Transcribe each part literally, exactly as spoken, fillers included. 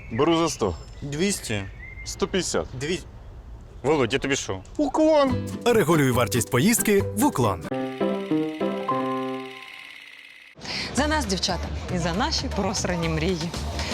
Беру за сто. двісті. сто п'ятдесят. Дві... Володь, я тобі що? Уклон. Регулюй вартість поїздки в Уклон. За нас, дівчата, і за наші просрані мрії.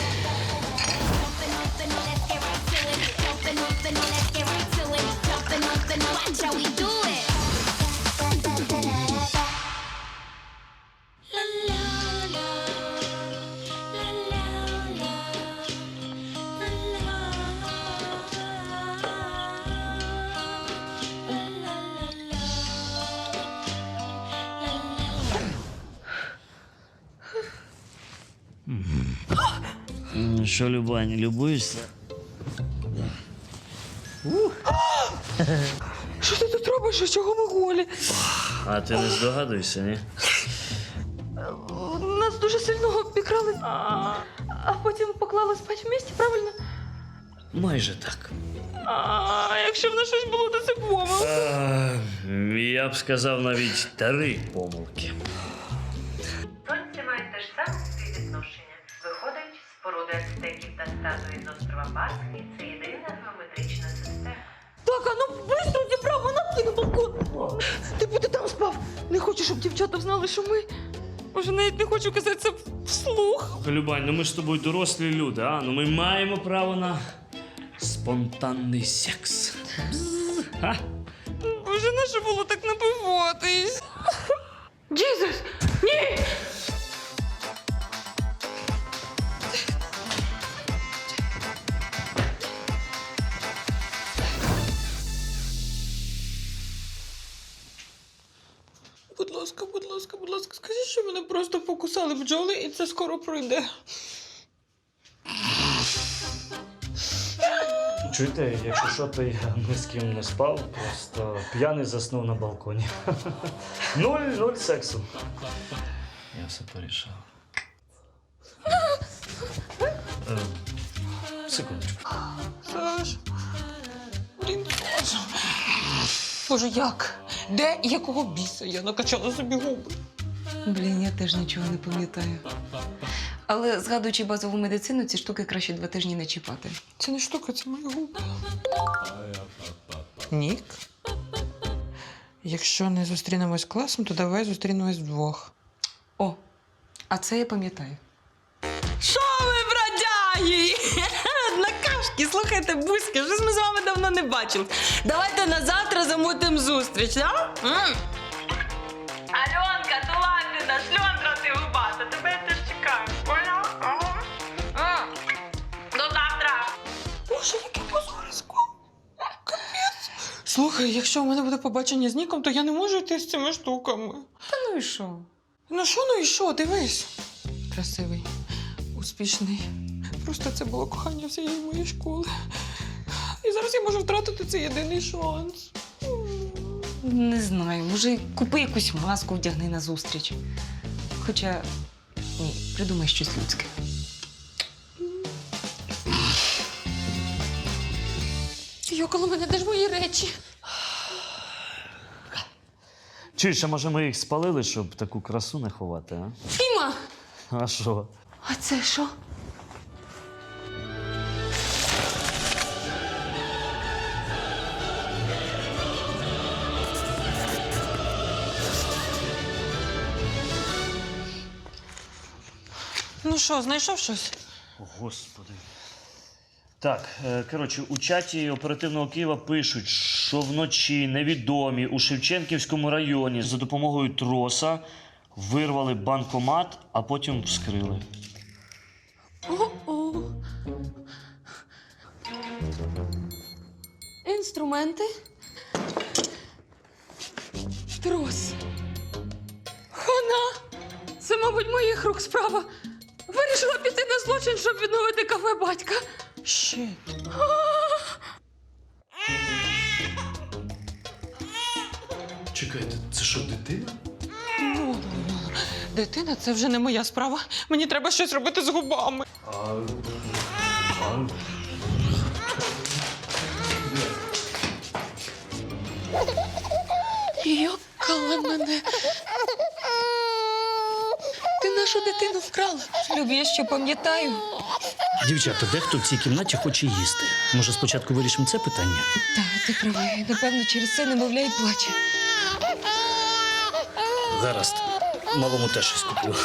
Ну що, Любаня, любуєшся? Що ти тут робиш? Чого ми голі? А ти не здогадуєшся, ні? Нас дуже сильно обікрали, а, а потім поклали спати в місті, правильно? Майже так. А якщо в нас щось було, то це помилка. А, я б сказав навіть три помилки. Сонці мають те ж саме співвідношення. Виходить, споруди ацтеків та статуї з острова Пасхи – це єдина геометрична система. Так, а ну быстро зібрав, на на балкон. Ти буде там спав. Не хочу, щоб дівчата знали, що ми... Може, навіть не хочу казати це вслух. Любань, ну ми ж з тобою дорослі люди, а? Ну ми маємо право на спонтанний секс. Бзз, а? Боже, не що було так напиватись? Джізус! Ні! Будь ласка, будь ласка, будь ласка, скажіть, що мене просто покусали бджоли і це скоро пройде. Чуєте, якщо що, то я ні з ким не спав, просто п'яний заснув на балконі. Нуль, нуль сексу. Я все порішав. Е, секундочку. Саш, блін, Саша. Боже, як? Де і якого біса я накачала собі губи? Блін, я теж нічого не пам'ятаю. Але, згадуючи базову медицину, ці штуки краще два тижні не чіпати. Це не штука, це мої губи. Нік? Якщо не зустрінемось класом, то давай зустрінемось вдвох. О, а це я пам'ятаю. Що ви, бродяги? Однокашки, слухайте, бузьки, щось ми з вами давно не бачили. Давайте на завтра замутимо зустріч, а? М? Альонка, то ладно, шльондра ти губата, тебе я теж чекаю, поняла? Ага. М. До завтра. Боже, яке позорисько. Капець. Слухай, якщо у мене буде побачення з Ніком, то я не можу йти з цими штуками. Та ну і що? Ну що, ну і що, дивись. Красивий, успішний. Просто це було кохання всієї моєї школи. І зараз я можу втратити цей єдиний шанс. Не знаю, може, купи якусь маску, вдягни на зустріч. Хоча, ні, придумай щось людське. Йокало мене, де ж мої речі? Чуєш, а може ми їх спалили, щоб таку красу не ховати, а? Фіма! А що? А це що? Ну що, знайшов щось? О, Господи. Так, е, коротше, у чаті оперативного Києва пишуть, що вночі невідомі у Шевченківському районі за допомогою троса вирвали банкомат, а потім вскрили. О-о. Інструменти. Трос. Хана! Це, мабуть, моїх рук справа. Вирішила піти на злочин, щоб відновити кафе батька. Щит. Чекайте, це що, дитина? Ну, дитина, це вже не моя справа. Мені треба щось робити з губами. А... а... Йокала мене. Ти нашу дитину вкрали. Люб, я що пам'ятаю. Дівчата, дехто в цій кімнаті хоче їсти. Може, спочатку вирішимо це питання? Так, ти правий. Напевно, через це немовля й плаче. Гаразд. Малому теж щось куплю.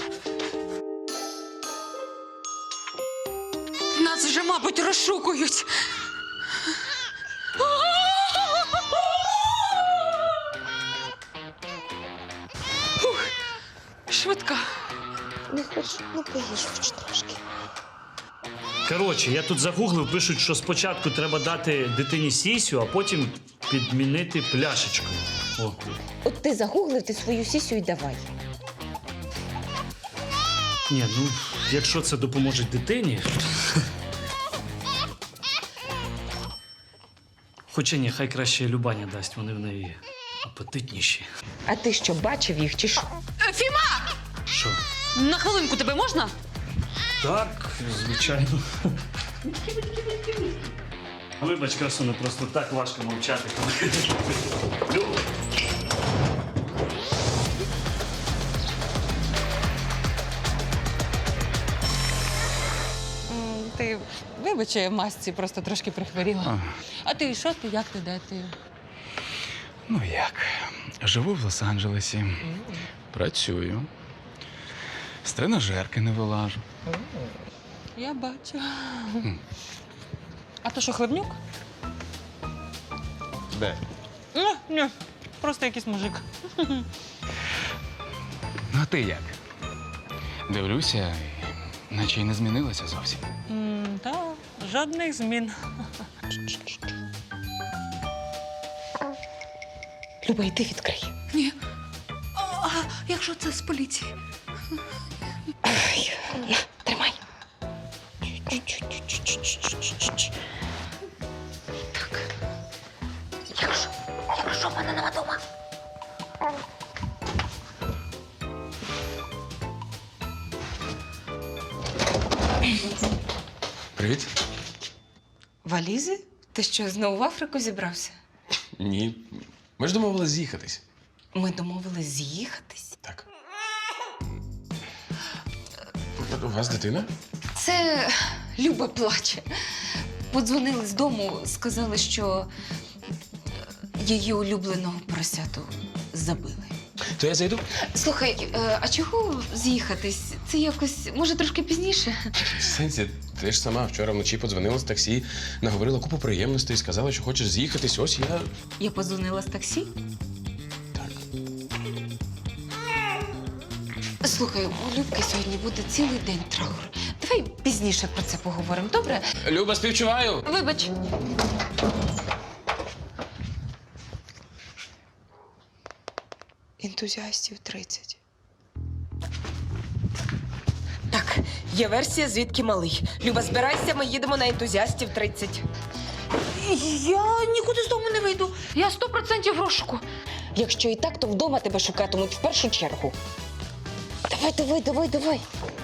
Нас вже, мабуть, розшукують. Ух, швидка. Не хочу, ну поїж хоч трошки. Коротше, я тут загуглив, пишуть, що спочатку треба дати дитині сісю, а потім підмінити пляшечкою. О. От ти загуглив, ти свою сісю і давай. Ні, ну, якщо це допоможе дитині. Хоча ні, хай краще Любаня дасть, вони в неї апетитніші. А ти що, бачив їх чи що? Фіма! Що? На хвилинку тебе можна? Так, звичайно. Вибач, красуне, просто так важко мовчати. Люб. Ти вибач, я в масці просто трошки прихворіла. А ти що ти, як ти, де ти? Ну як? Живу в Лос-Анджелесі, працюю, з тренажерки не вилажу. Я бачу. А то що, Хлебнюк? Де? Ні, ні, просто якийсь мужик. Ну, а ти як? Дивлюся, і наче й не змінилося зовсім. Так, жодних змін. Люба, йди відкрий. Ні. А якщо це з поліції? Ай, на, тримай. Так. Якщо, якщо в мене нема дома. Привіт. Валізи? Ти що, знову в Африку зібрався? Ні. Ми ж домовились з'їхатись. Ми домовились з'їхатись. Так. У вас дитина? Це Люба плаче. Подзвонили з дому, сказали, що її улюбленого поросяту забили. То я зайду? Слухай, е, а чого з'їхатись? Це якось, може, трошки пізніше? В сенсі, ти ж сама вчора вночі подзвонила з таксі, наговорила купу приємностей, сказала, що хочеш з'їхатись. Ось я. Я подзвонила з таксі. Так. Слухай, у Любки сьогодні буде цілий день траур. Давай пізніше про це поговоримо, добре? Люба, співчуваю! Вибач. Ентузіастів тридцять. Так, є версія, звідки малий. Люба, збирайся, ми їдемо на ентузіастів тридцять. Я нікуди з дому не вийду. Я сто процентів в розшуку. Якщо і так, то вдома тебе шукатимуть в першу чергу. Давай, давай, давай, давай.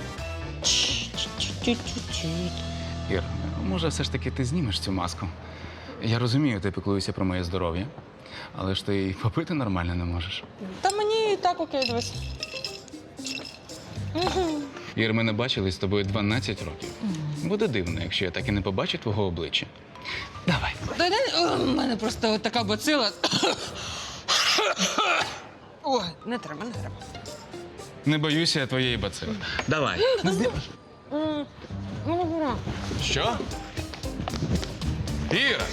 Ір, може, все ж таки ти знімеш цю маску? Я розумію, ти піклуєшся про моє здоров'я, але ж ти й попити нормально не можеш. Та мені і так окей, дивись. Ір, ми не бачились з тобою дванадцять років. Буде дивно, якщо я так і не побачу твого обличчя. Давай. У мене просто така бацила. Ой, не треба, не треба. Не боюся я твоєї бацили. Давай. Що? Іра!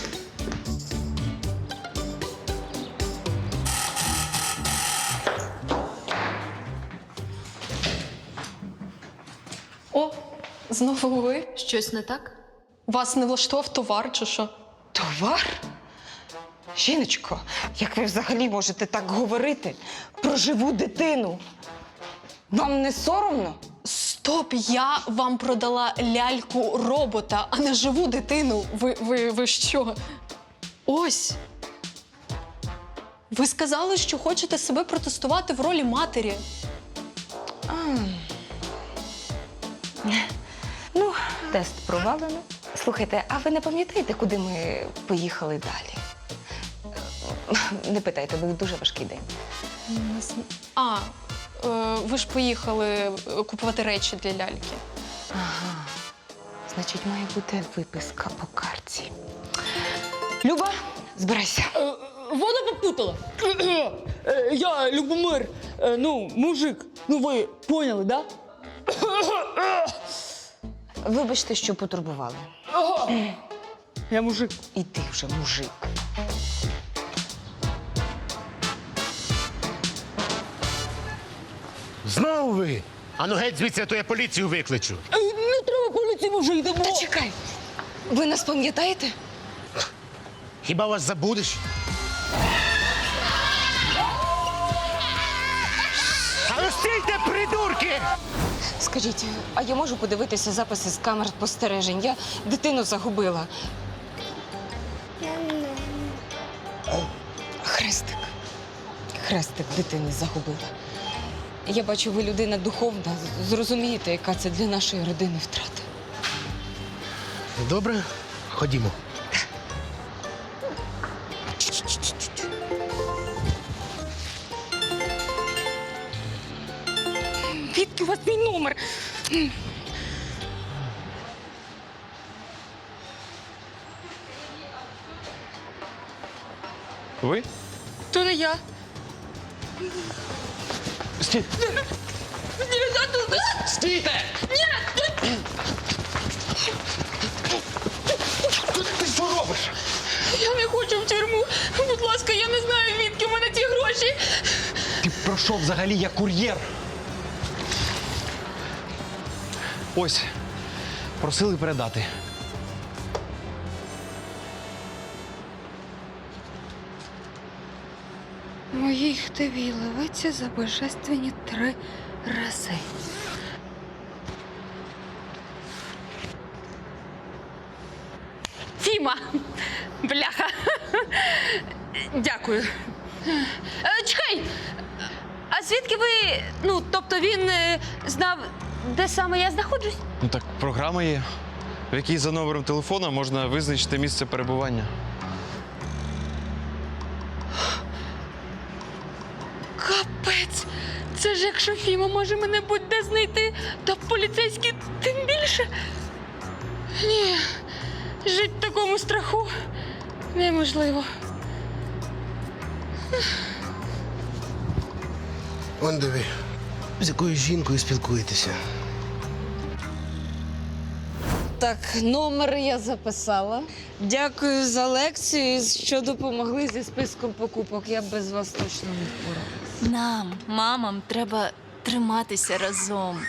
О, знову ви? Щось не так? Вас не влаштував товар чи що? Товар? Жіночко, як ви взагалі можете так говорити про живу дитину? Вам не соромно? Стоп, я вам продала ляльку робота, а не живу дитину. Ви, ви, ви що? Ось. Ви сказали, що хочете себе протестувати в ролі матері. А. Ну, тест провалено. Слухайте, а ви не пам'ятаєте, куди ми поїхали далі? Не питайте, був дуже важкий день. Не зн- А, е, ви ж поїхали е, купувати речі для ляльки. Ага. Значить, має бути виписка по карті. Люба, збирайся. Вона попутала. Я Любомир, ну, мужик. Ну ви поняли, да? Вибачте, що потурбували. Я мужик. І ти вже мужик. Знову ви? Ану геть звідси, а то я поліцію викличу. Не треба поліції, може, йдемо. Та чекай. Ви нас пам'ятаєте? Хіба вас забудеш? А ну стійте, придурки! Скажіть, а я можу подивитися записи з камер спостережень? Я дитину загубила. Хрестик. Хрестик дитини загубила. Я бачу, ви людина духовна. Зрозумієте, яка це для нашої родини втрата. Добре, ходімо. Звідки у вас мій номер? Ви? То не я. Стій. Стійте! Ти що робиш? Я не хочу в тюрму. Будь ласка, я не знаю, відки в мене ті гроші. Ти про що взагалі? Я кур'єр. Ось, просили передати. Моїй хтиві ливиться за божественні три рази. Фіма! Бляха! Дякую. Е, Чекай! А звідки ви. Ну, тобто він е, знав, де саме я знаходжусь? Ну так, програма є, в якій за номером телефона можна визначити місце перебування. Капець! Це ж якщо Фіма може мене будь-де знайти, то поліцейські тим більше. Ні, жити в такому страху неможливо. Он диви, з якою жінкою спілкуєтеся. Так, номер я записала. Дякую за лекцію, що допомогли зі списком покупок. Я б без вас точно не впоралась. Нам, мамам, треба триматися разом.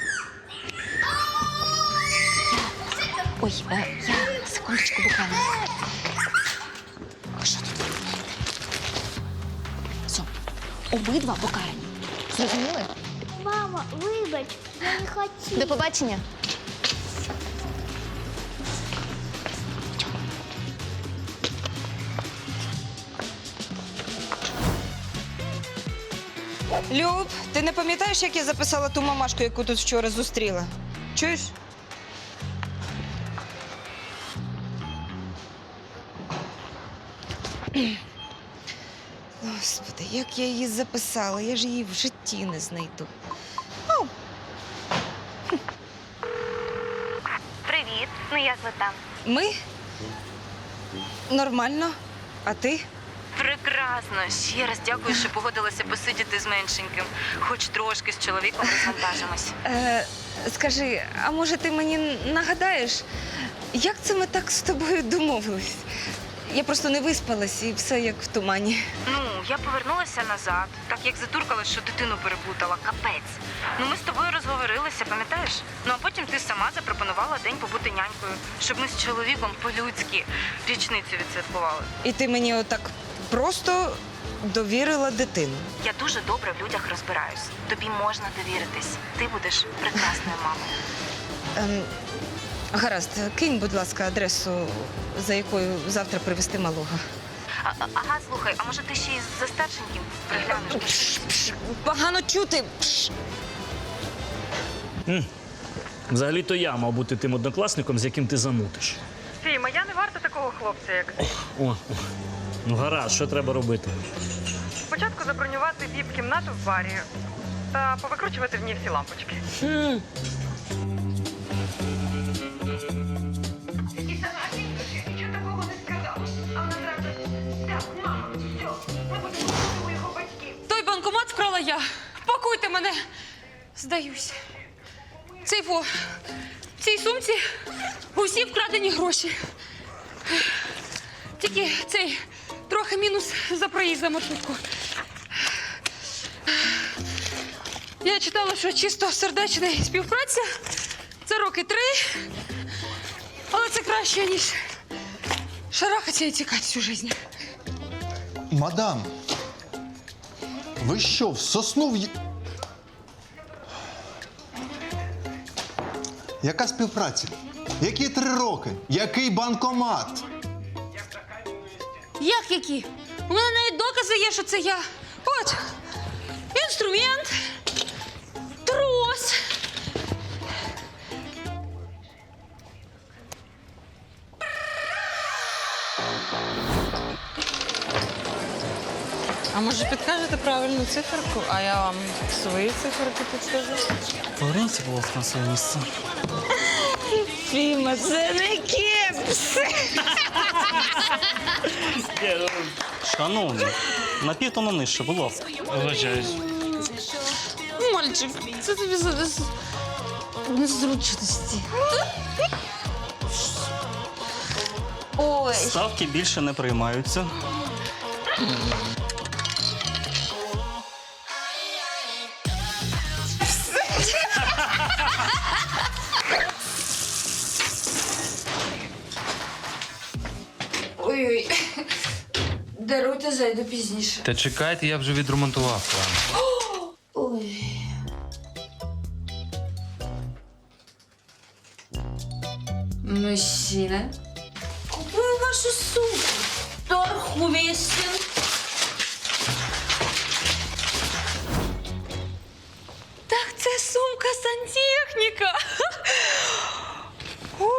Ой, е, я секундочку буквально. А що тут ви робите? Все, обидва покарані. Зрозуміли? Мама, вибач, я не хотіла. До побачення. Люб, ти не пам'ятаєш, як я записала ту мамашку, яку тут вчора зустріла? Чуєш? Господи, як я її записала, я ж її в житті не знайду. О, Привіт, ну як ви там? ми? Нормально. А ти? Прекрасно. Ще раз дякую, що погодилася посидіти з меншеньким. Хоч трошки з чоловіком розвантажимось. Е, скажи, а може ти мені нагадаєш, як це ми так з тобою домовились? Я просто не виспалась і все як в тумані. Ну, я повернулася назад, так як затуркала, що дитину переплутала. Капець. Ну, ми з тобою розговорилися, пам'ятаєш? Ну, а потім ти сама запропонувала день побути нянькою, щоб ми з чоловіком по-людськи річницю відсвяткували. І ти мені отак просто довірила дитину. Я дуже добре в людях розбираюсь. Тобі можна довіритись. Ти будеш прекрасною мамою. Ем, гаразд, кинь, будь ласка, адресу, за якою завтра привезти малого. А, а- ага, слухай, а може ти ще й за старшеньким приглянеш? Погано чути. Взагалі-то я мав бути тим однокласником, з яким ти замутиш. Фіма, я не варта такого хлопця, як ти. О, о. Ну гаразд, що треба робити? Спочатку забронювати віп-кімнату в барі, та повикручувати в ній всі лампочки. Нічого такого не сказала. А вона зразу, так, мама, все, ми будемо у його батьків. Той банкомат вкрала я. Пакуйте мене. Здаюсь. Цей фо. В цій сумці усі вкрадені гроші. Тільки цей трохи мінус за проїзд за маршрутку. Я читала, що чисто сердечна співпраця це роки три. Але це краще, ніж шарахатися і тікати всю життя. Мадам, ви що, в сосну в... Яка співпраця? Які три роки? Який банкомат? Як які? У мене навіть докази є, що це я. От, інструмент, трос. А може підкажете правильну циферку, а я вам свої циферки підскажу? Поверніться, будь ласка, на своє місце. Фіма, це не кепс. Шановні, на півтону нижче, будь ласка. Вибачаюсь. Мальчик, це тобі за за- незручності. Ой. Ставки більше не приймаються. Ой-ой. Даруйте, зайду пізніше. Та чекайте, я вже відремонтував план. Ой. Мужчина, купую вашу сумку. Торг уместен. Так це сумка сантехніка. У.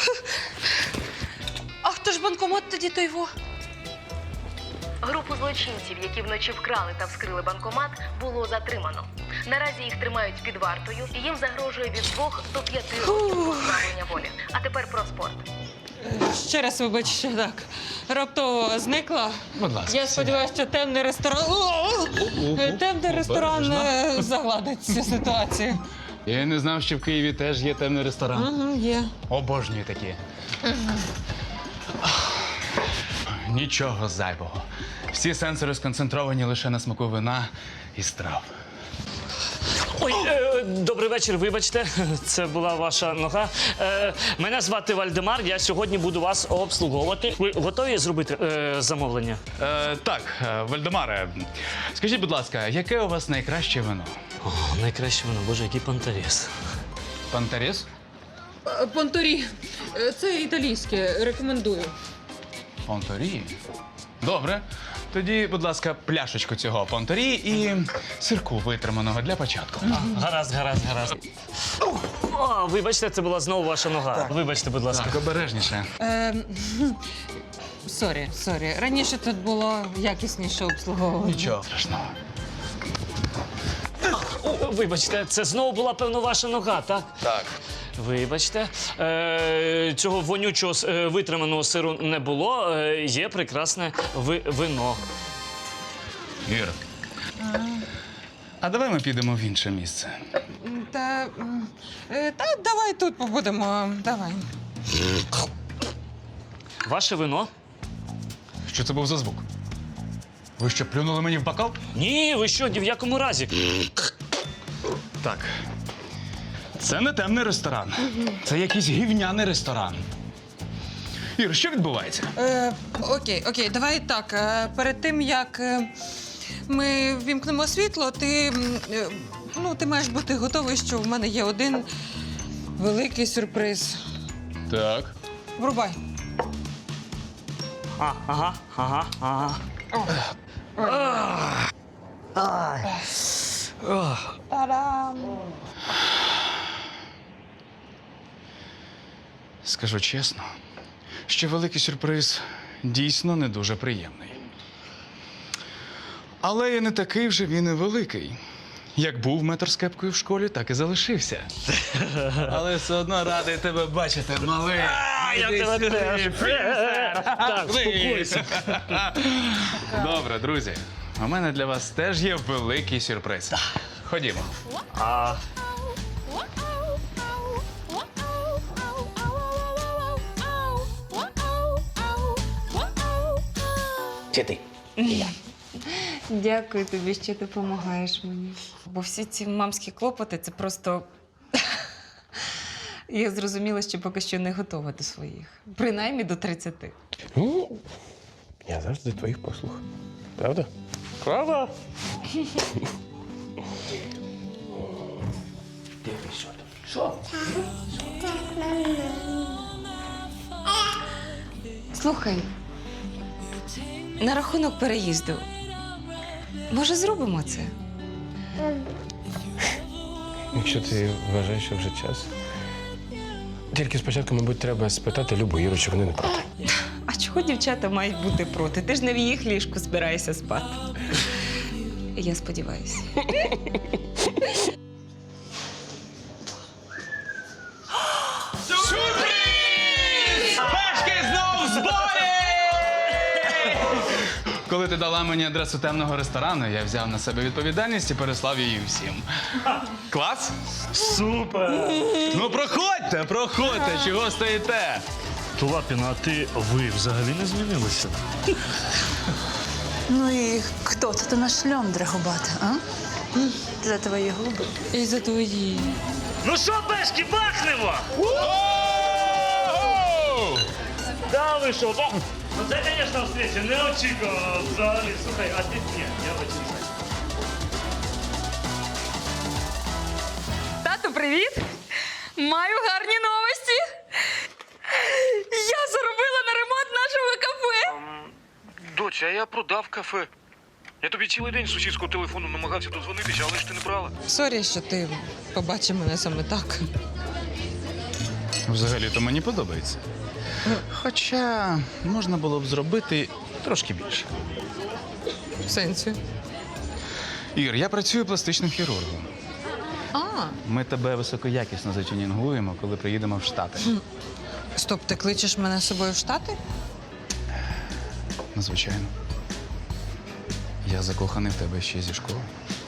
А хто ж банкомат тоді той во? Групу злочинців, які вночі вкрали та вскрили банкомат, було затримано. Наразі їх тримають під вартою і їм загрожує від двох до п'яти років позбавлення волі. А тепер про спорт. Ще раз вибач, що так. Раптово зникла. Будь ласка, Я сподіваюся, що темний ресторан. О! Темний ресторан е, загладить цю ситуацію. Я не знав, що в Києві теж є темний ресторан. Угу, є. Обожнюю такі. Нічого зайвого. Всі сенсори сконцентровані лише на смаку вина і страв. Ой, е, добрий вечір, вибачте, це була ваша нога. Е, мене звати Вальдемар, я сьогодні буду вас обслуговувати. Ви готові зробити е, замовлення? Е, так, е, Вальдемаре, скажіть, будь ласка, яке у вас найкраще вино? О, найкраще вино, боже, який пантаріс. Пантаріс? Понторі. Це італійське. Рекомендую. Понторі? Добре. Тоді, будь ласка, пляшечку цього понторі і сирку витриманого для початку. Гаразд, гаразд, гаразд. О, вибачте, це була знову ваша нога. Так. Вибачте, будь ласка. Так, обережніше. Ем, Сорі, сорі. Раніше тут було якісніше обслуговування. Нічого страшного. О, вибачте, це знову була, певно, ваша нога, так? Так. Вибачте, е, цього вонючого е, витриманого сиру не було. Е, є прекрасне ви, вино. Ір, а давай ми підемо в інше місце. Та, м, е, та давай тут побудемо. Давай. Ваше вино? Що це був за звук? Ви що, плюнули мені в бокал? Ні, ви що, ні в якому разі. Так. Це не темний ресторан. Це якийсь гівняний ресторан. Ір, що відбувається? Е, окей, окей, давай так. Е, перед тим, як е, ми ввімкнемо світло, ти, м, е, ну, ти маєш бути готовий, що в мене є один великий сюрприз. Так. Врубай. А, ага, ага, ага. Та-дам! Скажу чесно, що великий сюрприз дійсно не дуже приємний. Але і не такий вже він і великий. Як був метр з кепкою в школі, так і залишився. Але все одно радий тебе бачити, малий. я Іди тебе сюди, теж. Фрінстер. Так, успокойся. Добре, друзі. У мене для вас теж є великий сюрприз. Ходімо. А Чи ти? Дякую тобі, що допомагаєш мені. Бо всі ці мамські клопоти це просто. Я зрозуміла, що поки що не готова до своїх. Принаймні до тридцяти. Ну, я завжди твоїх послуг. Правда? правда? Слухай, на рахунок переїзду. Може, зробимо це? Якщо ти вважаєш, що вже час. Тільки спочатку, мабуть, треба спитати Любу Іру, чи вони не проти. А чого дівчата мають бути проти? Ти ж не в їх ліжку збираєшся спати. Я сподіваюся. Пешки знов в зборі! Коли ти дала мені адресу темного ресторану, я взяв на себе відповідальність і переслав її всім. Клас? Супер! Ну проходьте, проходьте, чого стоїте? Лапіна, а ти, ви взагалі не змінилися? Ну і хто це наш шльондра губата, а? За твої губи. І за твої. Ну що, пешки, бахнемо! Да, ви що, бах? Ну це, звісно, встреча не очікував взагалі. Слухай, а ти ні, я очікував. Тату, привіт! Маю гарні новості! Я заробила на ремонт нашого кафе! Доця, я продав кафе. Я тобі цілий день з сусідського телефону намагався дозвонитися, але ж ти не брала. Сорі, що ти побачив мене саме так. Взагалі-то мені подобається. Хоча можна було б зробити трошки більше. В сенсі. Ір, я працюю пластичним хірургом. А, Ми тебе високоякісно затюнінгуємо, коли приїдемо в Штати. стоп, ти кличеш мене з собою в Штати? Ну, звичайно. Я закоханий в тебе ще зі школи.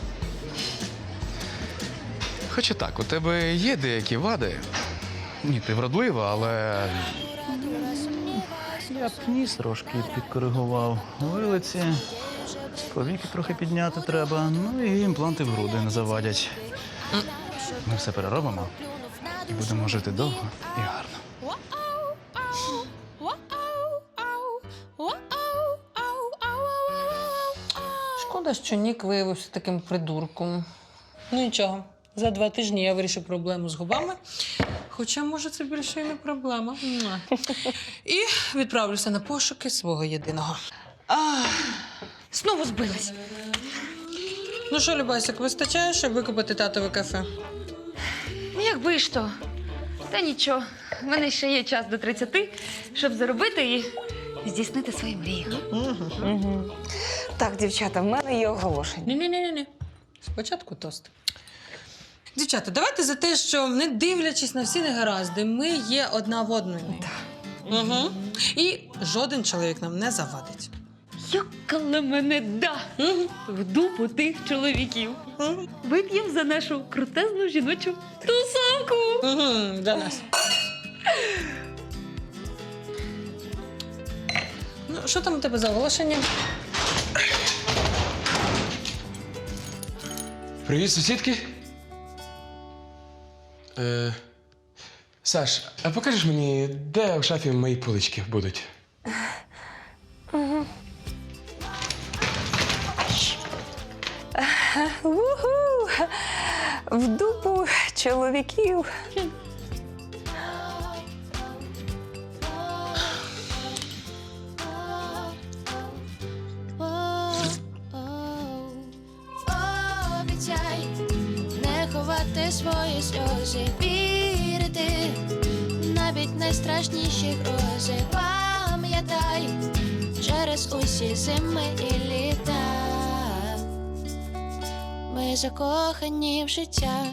Хоча так, у тебе є деякі вади. Ні, ти вродлива, але я б ніс трошки підкоригував. Вилиці, повіки трохи підняти треба, ну і імпланти в груди не завадять. Ми все переробимо і будемо жити довго і гарно. Шкода, що Нік виявився таким придурком. Ну нічого, за два тижні я вирішу проблему з губами. Хоча, може, це більше і не проблема. Муа. І відправлюся на пошуки свого єдиного. Знову збилась. Ну що, Любасик, вистачає, щоб викупити татове кафе? Ну, якби ж то. Та нічого, в мене ще є час до тридцяти, щоб заробити і здійснити свої мрії. Так, дівчата, в мене є оголошення. Ні-ні-ні. Спочатку тост. Дівчата, давайте за те, що, не дивлячись на всі негаразди, ми є одна в одної. Угу. І жоден чоловік нам не завадить. Йокала мене да! В дупу тих чоловіків. Вип'ємо за нашу крутезну жіночу тусовку. Угу, для нас. Ну, що там у тебе за оголошення? Привіт, сусідки. Е, Саш, а покажеш мені, де в шафі мої полички будуть? Угу. Уху! В дупу чоловіків. Обіцяй не ховати свої сльози, вірити навіть найстрашніші грози. Пам'ятай через усі зими і літа. ми закохані в життя.